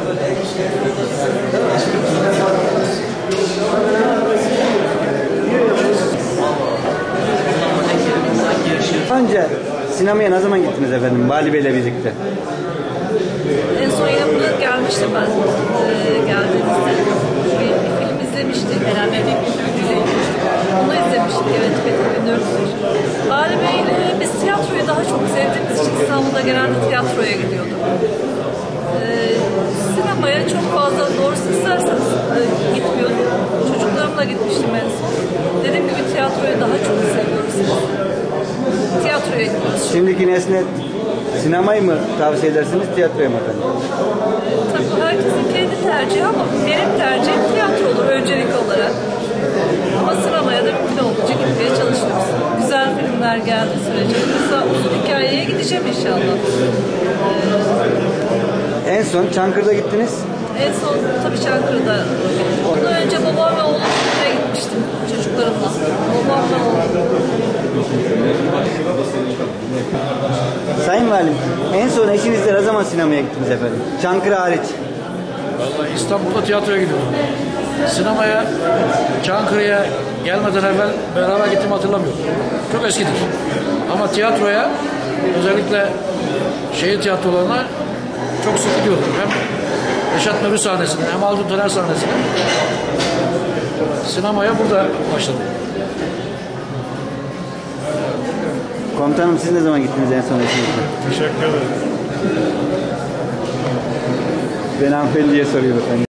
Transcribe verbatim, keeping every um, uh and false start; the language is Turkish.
Önce sinemaya ne zaman gittiniz efendim Vali Bey'le birlikte? En son yine buraya gelmiştim ben. Ee, geldiğimizde bir, bir film izlemiştik. Herhalde bir film Onu izlemiştik. Evet, iki bin dört. Vali Bey'le biz tiyatroyu daha çok sevdiğimiz için İstanbul'da genelde tiyatroya gidiyorduk. Ee, sinemaya çok fazla doğrusu isterseniz e, gitmiyordum. Çocuklarımla gitmiştim en son. Dediğim gibi tiyatroyu daha çok seviyoruz. Tiyatroya gidiyoruz. Şimdiki nesne sinemayı mı tavsiye edersiniz, tiyatroya mı efendim? Tabii herkesin kendi tercihi ama benim tercihim tiyatro olur öncelik olarak. Ama sinemaya da mümkün olduğunca gitmeye çalışıyoruz. Güzel filmler geldiği sürece. Mesela uzun hikayeye gideceğim inşallah. Ee, En son Çankırı'da gittiniz. En son tabii Çankırı'da. Ondan önce babam ve oğlum filmine gitmiştim çocuklarımla. Babam ve oğlum. Sayın Valim, en son eşinizle ne zaman sinemaya gittiniz efendim? Çankırı hariç. Vallahi İstanbul'da tiyatroya gidiyorum. Sinemaya, Çankırı'ya gelmeden evvel beraber gittiğimi hatırlamıyorum. Çok eskidir. Ama tiyatroya, özellikle şehir tiyatrolarına çok sık gidiyordum. Hem Reşat Nuri sahnesine, hem Haldun Taner sahnesine. Sinemaya burada başladım. Komutanım, siz ne zaman gittiniz en son eşinizle? Teşekkür ederim. Ben hanımefendiye soruyorum efendim.